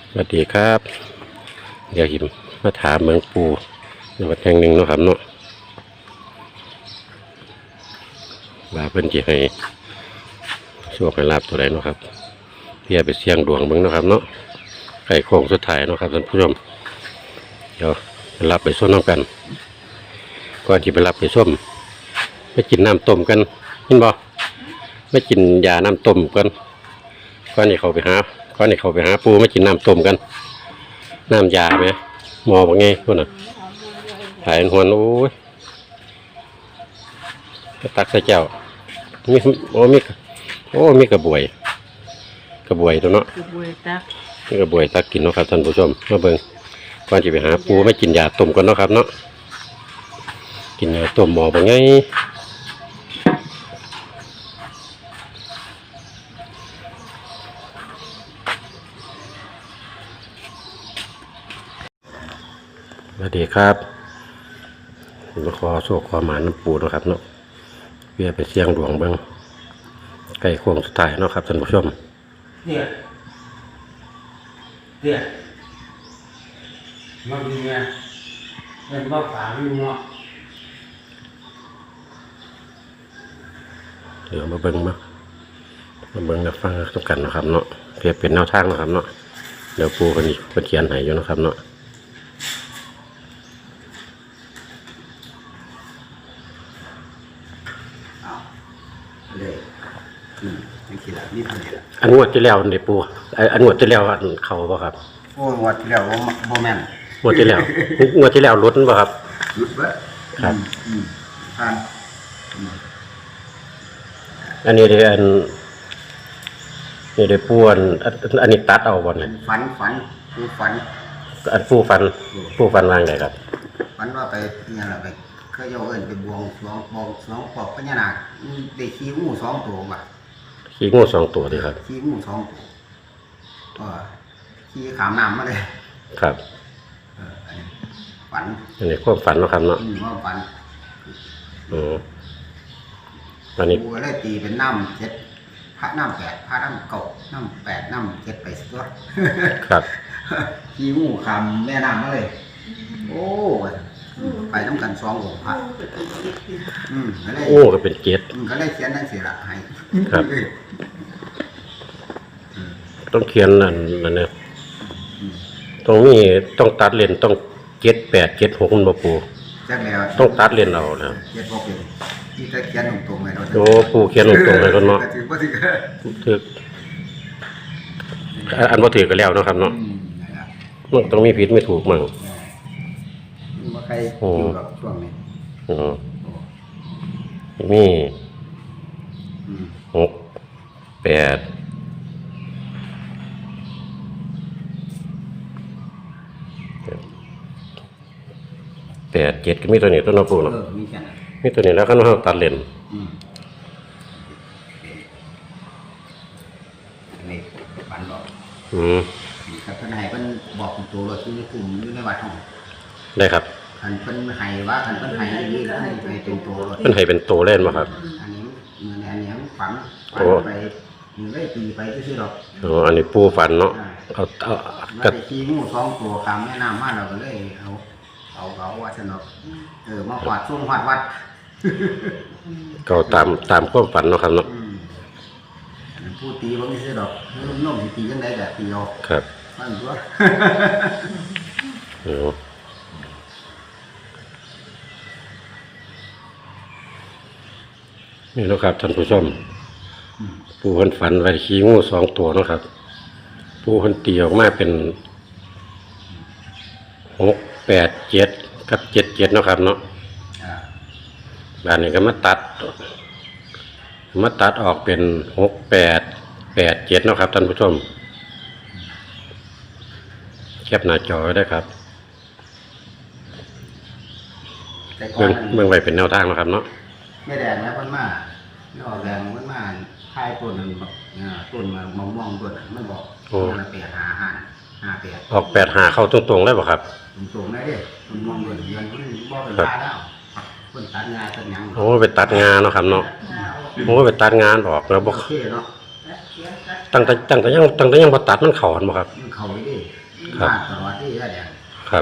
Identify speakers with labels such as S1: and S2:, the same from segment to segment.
S1: สวัสดีครับเดี๋ยวหิมมาถามเมืองปูในวัดแห่งหนึ่งเนาะครับเนาะว่าเพิ่นจะให้โชคให้ลาภตัวใดเนาะครับเพื่อไปเสี่ยงดวงเบิ่งเนาะครับเนาะไก่โค้งสุดท้ายเนาะครับท่านผู้ชมเดี๋ยวไปรับไปส้มน้ำกันก่อนที่ไปรับไปส้มไปกินน้ำต้มกันเห็นบ่ไม่กินยาน้ำต้มกันก่อนที่เขาไปหาปูไม่กินน้ำต้มกันน้ำยาไหมมอว่าไงพวกน่ะถ่ายหวนโอ้ยตักใส่แก้วมีกระบวยตัวเนาะ
S2: กระบวยตัก
S1: มีกระบวยตักกินเนาะครับท่านผู้ชมมาเบิ่งก่อนที่ไปหาปูไม่กินยาต้มกันเนาะครับเนาะกินยาต้มหมอว่าไงสวัสดีครับมาขอโชคขอหมาน้ำปูนะครับเนาะเพื่อไปเสี่ยงดวงเบิ่งใกล้โค้งสุดท้ายเนาะครับท่านผู้ชม
S3: เนี่ยมันมีไงเป็นว่าฝาไม่รู้เนาะ
S1: เดี๋ยวมาเบิ่งมาฟังทุกกันนะครับเนาะเพื่อเป็นแนวทางนะครับเนาะเดี๋ยวปูคนนี้เขียนให้อยู่นะครับเนาะ
S3: เลยนี่คิดละนี่ทำละ
S1: อันงวดที่แล้วนี่ปูอันงวดที่แล้วอันเขาบ่ครับ
S3: โอ้วัดที่แล้วโมแมน
S1: งวดที่แล้วลดบ่ครับ
S3: หยุดไว้
S1: ครับ
S3: ผ่าน
S1: อันนี้ได้นี่ได้ปูอันนี้ตัดเอาบ่เนี่ย
S3: ฝันผู้ฝัน
S1: อันผู้ฟันวางได้ครับ
S3: ฝันว่าไปเนี่ยแหละไปเคยโยเอิญไปบวงสรวงปอกพญานาคได้ขี้งู2 ตัวว่ะ
S1: ขี้งู2 ตัวดิครับ
S3: ขี้งู2 ตัวขี้ขามน้ำมาเลย
S1: ครับ
S3: ฝัน
S1: อันนี้ความฝันเนาะครับเนาะ
S3: ว่าฝัน
S1: อันนี้
S3: กูเลยตีเป็นน้ำ7พระน้ำ8พระน้ำ9น้ำ8น้ำ7ไปสิตัว
S1: ครับ
S3: ขี้งูขามแม่น้ำมาเลยโอ้ไปน้ำกัน2 องค์พระ
S1: โอ้ก็เป็นเกศ
S3: ก็เลยเขียนทั้ง4ละให้
S1: ครับต้องเขียนนั่นเนี่ยต้องตัดเลนต้อง7 8 7 6มันบ่ปูต้องตัดเลนเอาแล้ว
S3: 7 6เป็นที่จะเขียนตรงๆให้เรา
S1: โอ้ปูเขียนตรงๆให้เราเนาะถึกอันบ่ถือก็แล้วเนาะครับเนาะมันต้องมีผิดไม่ถูกมั่ง
S3: ว่าใครอยู่กับช่วงนี้
S1: มี6 8 7ก็มีตัวนี้ตัวน้ำปูเนาะมีตัวนี้แล้วก็น้องตัดเลน
S3: นี่ฝันบอกกับท่านไหเป็นบอกตัวเราที่กลุ่มอยู่ในวัดห้อง
S1: ได้ครับ
S3: ท่านเป็นไห้ว่าท่านเป็นไห้นี่แล้วให้เป็นตัว
S1: เป็นไห้เป็นตัวเล่นมาครับ
S3: อันนี้ฝันไปได้ตีไปที่ดอก
S1: อันนี้ปูฝันเนาะ
S3: เอากระตีงู2 ตัวคำแม่น้ำมาเราก็เลยเอาว่าสนุกมาขวาดช่วงวัด
S1: ก็ตามความฝันเนาะครับเนาะ
S3: พูดตีบางทีดอกนุ่มตียังไงแต่ตีออก
S1: ครับ
S3: มันตัว
S1: นี่นะครับท่านผู้ชมปูคนฝันไว้ขี้งู2 ตัวนะครับปูคนตีออกมาเป็น6 8 7กับ7 7นะครับเนาะด้านนี้ก็มาตัดออกเป็น6 8 8 7นะครับท่านผู้ชมแคปหน้าจอไว้ได้ครับเมืองไว้เป็นแนวทางนะครับเนาะ
S3: ไม่แดงแล้วมันมาไม่ออกแดงมันมาคายต้นมันบอกต้นมะม่วงต้นมันบอกมัน8 5 5 8
S1: ออก8 5เข้าตรงๆได้ป่ะครับ
S3: ตรงได้ดิมันมองต้นเดือนมันบอกเป็นตาแล้วคนตัดงานตัดยัง
S1: โอ้ไปตัดงานเนาะครับเนาะโอ้ไปตัดงานออกแล้วบอกตั้งแต่ยังบ่ตัดมันเข้าหั่นบ่ครับ
S3: มันเข้าไปดิ
S1: ครับ
S3: มาตลอดที่แดง
S1: ครับ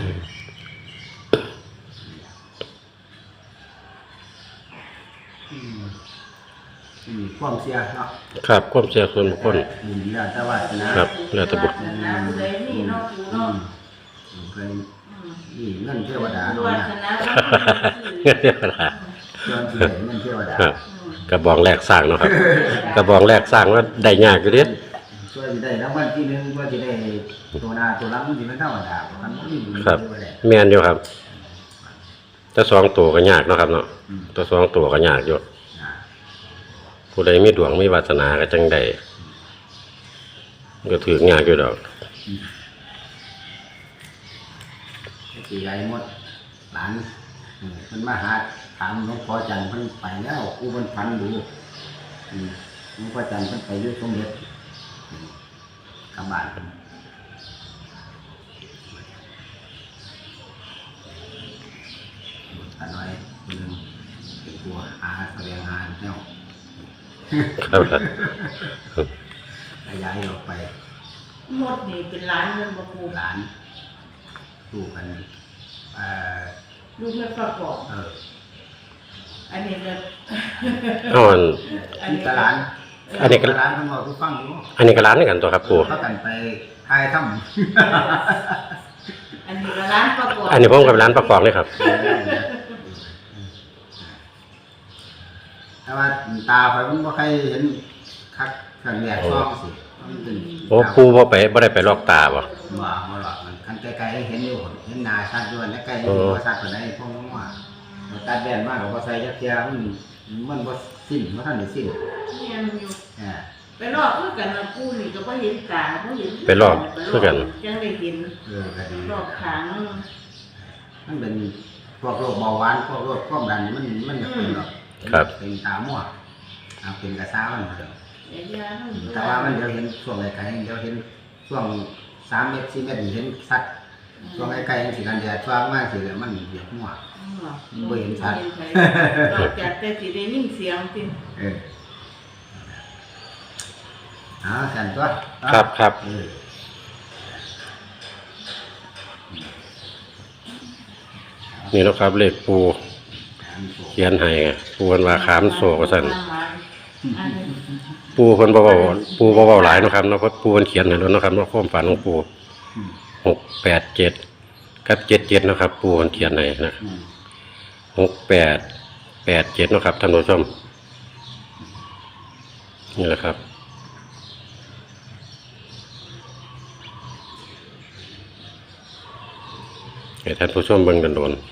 S3: ความเสียเนาะ
S1: ครับความเชื่อส่วนบุคคล
S3: แล้วแต่ว่านะครับ
S1: แล้วแต่บุคคล
S2: ผู้ใดมีเนาะผู้เนาะ
S3: เคยนี่เงินเทวดา
S2: ผู้
S3: เนาะ
S2: วา
S3: นะ
S2: สนา
S1: เงินเทวดา
S3: ส่วนที่ได้เงินเทวดา
S1: ครับกระบองแรกสร้างเนาะครับ กระบองแรกสร้างว่าได้ยากอยู่เด้
S3: ส่วนที่ได้รางวัลที่หนึ่งก็จะได้ตัวหน้าตัวหลังมันสิเป็นธรรมดาเพราะมันมีบุญ
S1: ครับ
S3: เทวดา
S1: แม่นอยู่ครับแต่สองตัวก็ยากเนาะครับเนาะตัวสองตัวก็ยากอยู่
S3: อ่า
S1: ผู้ใดมีดวงมีวาสนาก็จังได้ก็ถือยากอยู่ดอก
S3: สิใหญ่หมดหลานเพิ่นมาหาถามหลวงพ่อจันทร์เพิ่นไปแล้วกูเพิ่นฝันดูหลวงพ่อจันทร์เพิ่นไปอยู่สมเด็จกลับบ้านเพิ่นอันน้อยคนหนึงเป็นตัวหาแสดงงานแล้ว
S1: ครับ
S3: ขยายออกไป
S2: หมดนี่เป็นล้านเงินบ่ครู
S3: หลานสู้กันเอ่อ
S2: ลูกไม่ประกอบ
S3: เออ
S2: อันนี้ก็
S1: เอาอัน
S3: ที่ตลาด
S1: อันนี้ก็
S3: ตลาดทั้งหมดทุกฟังอยู่
S1: อันนี้ก็ร้านนี่กันตัวครับปู่
S3: เขากันไปทายถ้
S2: อันนี้ก็ร้านประกอบ
S1: อันนี้ผมกับร้านประกอบนี่ครับ
S3: ำแต่ว่าตาคอยมันบ่ใครเห็นคักเครื่องแยกซองสิมันเป็น
S1: โอ้ปู่บ่ได้ไปลอกตาบ่
S3: บ่หรอกมันคันไกลๆเห็นอยู่เห็นหน้าชัดด้วยและไกลอยู่บ่ชัดปานใดพวกมันว่าตัดแว่นมาก็บ่ใส่จักเที่ยมันบ่สิ้นบ่ทันได้สิ้น
S2: เนี่ยมันอยู่
S3: อ่า
S2: ไปลอกคือกันนะกูนี่ก็บ่เห็นตาบ่เห็น
S1: ไปลอกคือกัน
S2: จังได้เห็น
S3: ก็ดี
S2: ลอกขาง
S3: มันเป็นพวกโรคเบาหวานพวกโรคความดันนี่มันจะเป็นหรอก
S1: ครับ
S3: เป็นตามั่วเป็นกระซ้ามันเถอะ
S2: ไอ้ยาทั้ง
S3: แต่ว่ามันเดี๋ยวเห็นช่วงไกลๆเดี๋ยวเห็นช่วง3 เมตร 4 เมตรเห็นสัตว์ช่วงไกลๆสิกันแดดฟ้ามากสิแล้วมันเหยียบมั่ว บ่เห็นชัด
S2: นอกจากแต่สิได้ยินเสียงติ
S3: กันตัว
S1: ครับครับ
S3: เออ
S1: นี่เนาะครับเลขปู่เขียนให้ปู่เพิ่นว่าขามโซว่าซั่นปู่เพิ่นบ่เว้าหลายเนาะครับเนาะเพราะปู่เพิ่นเขียนให้แล้วเนาะครับเนาะความฝันของปู่687กับ77เนาะครับปู่เพิ่นเขียนให้นะ
S3: อืม
S1: 6887เนาะครับท่านผู้ชมนี่แหละครับให้ท่านผู้ชมเบิ่งกันโดน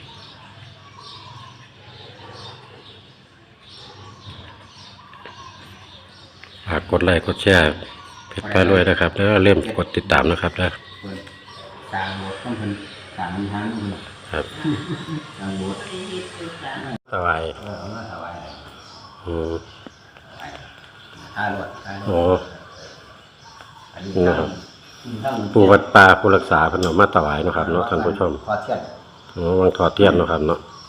S1: ฝากกดไลค์กดแชร์เพจไปรวยนะครับแล้วเริ่มกดติดตามนะครับนะ
S3: เพิ่นสร้างโบสถ์ต้องเพิ่นสร้างมันทันเพิ่น
S1: ครับ
S3: สร้างโบสถ์
S1: สบาย
S3: เอามาถวาย
S1: อืม
S3: ค่ารถ
S1: โอ้
S3: อันนี้
S1: นะครับ
S3: ทั้ง
S1: ปู่วัดป่าผู้รักษาเพิ่นเอามาถวายเนาะครับเนาะท่านผู้ชม
S3: ขอเทียน
S1: วังถอดเทียนเนาะครับเนาะ
S3: ข